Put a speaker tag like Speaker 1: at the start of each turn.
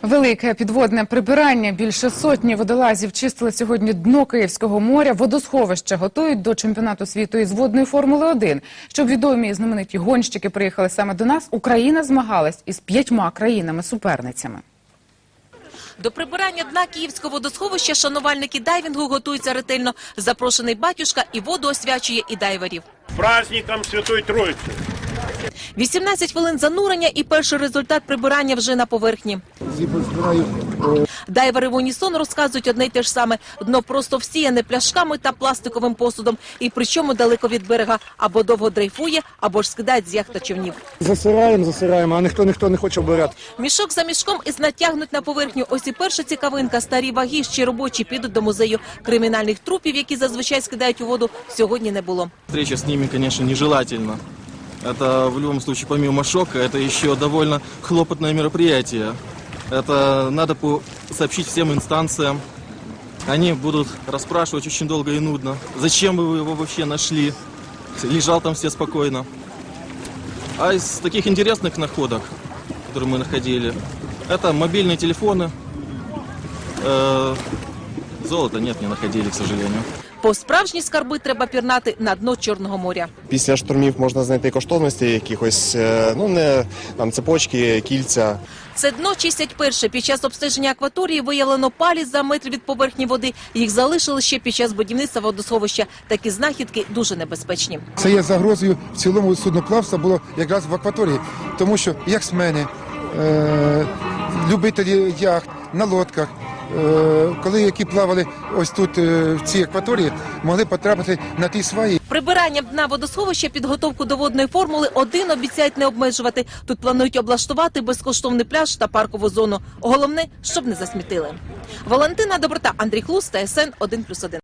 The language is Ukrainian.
Speaker 1: Велике підводне прибирання. Більше сотні водолазів чистили сьогодні дно Київського моря. Водосховище готують до чемпіонату світу із водної Формули-1. Щоб відомі і знамениті гонщики приїхали саме до нас, Україна змагалась із 5 країнами-суперницями.
Speaker 2: До прибирання дна Київського водосховища шанувальники дайвінгу готуються ретельно. Запрошений батюшка і воду освячує, і дайверів.
Speaker 3: Праздником Святої Троїці!
Speaker 2: 18 хвилин занурення і перший результат прибирання вже на поверхні. Дайвери в унісон розказують одне й те ж саме. Дно просто всіяне пляшками та пластиковим посудом. І причому далеко від берега. Або довго дрейфує, або ж скидають з яхт та човнів.
Speaker 4: Засираємо, а ніхто не хоче обирати.
Speaker 2: Мішок за мішком і натягнуть на поверхню. Ось і перша цікавинка. Старі ваги, ще робочі, підуть до музею. Кримінальних трупів, які зазвичай скидають у воду, сьогодні не було.
Speaker 5: Встреча с ними, конечно, нежелательна. Это в любом случае, помимо шока, это еще довольно хлопотное мероприятие. Это надо сообщить всем инстанциям. Они будут расспрашивать очень долго и нудно. Зачем вы его вообще нашли? Лежал там все спокойно. А из таких интересных находок, которые мы находили, это мобильные телефоны. Золота нет, не находили, к сожалению.
Speaker 2: По справжні скарби треба пірнати на дно Чорного моря.
Speaker 4: Після штурмів можна знайти коштовності якихось, цепочки, кільця.
Speaker 2: Це дно чистять перше. Під час обстеження акваторії виявлено палі за метр від поверхні води. Їх залишили ще під час будівництва водосховища. Такі знахідки дуже небезпечні.
Speaker 6: Це є загрозою в цілому судноплавства було якраз в акваторії. Тому що яхтсмени, любителі яхт на лодках, коли які плавали ось тут в цій акваторії, могли потрапити на ті сваї.
Speaker 2: Прибиранням дна водосховища підготовку до водної Формули-1 обіцяють не обмежувати. Тут планують облаштувати безкоштовний пляж та паркову зону. Головне, щоб не засмітили. Валентина Доброта, Андрій Хлус, ТСН 1+1.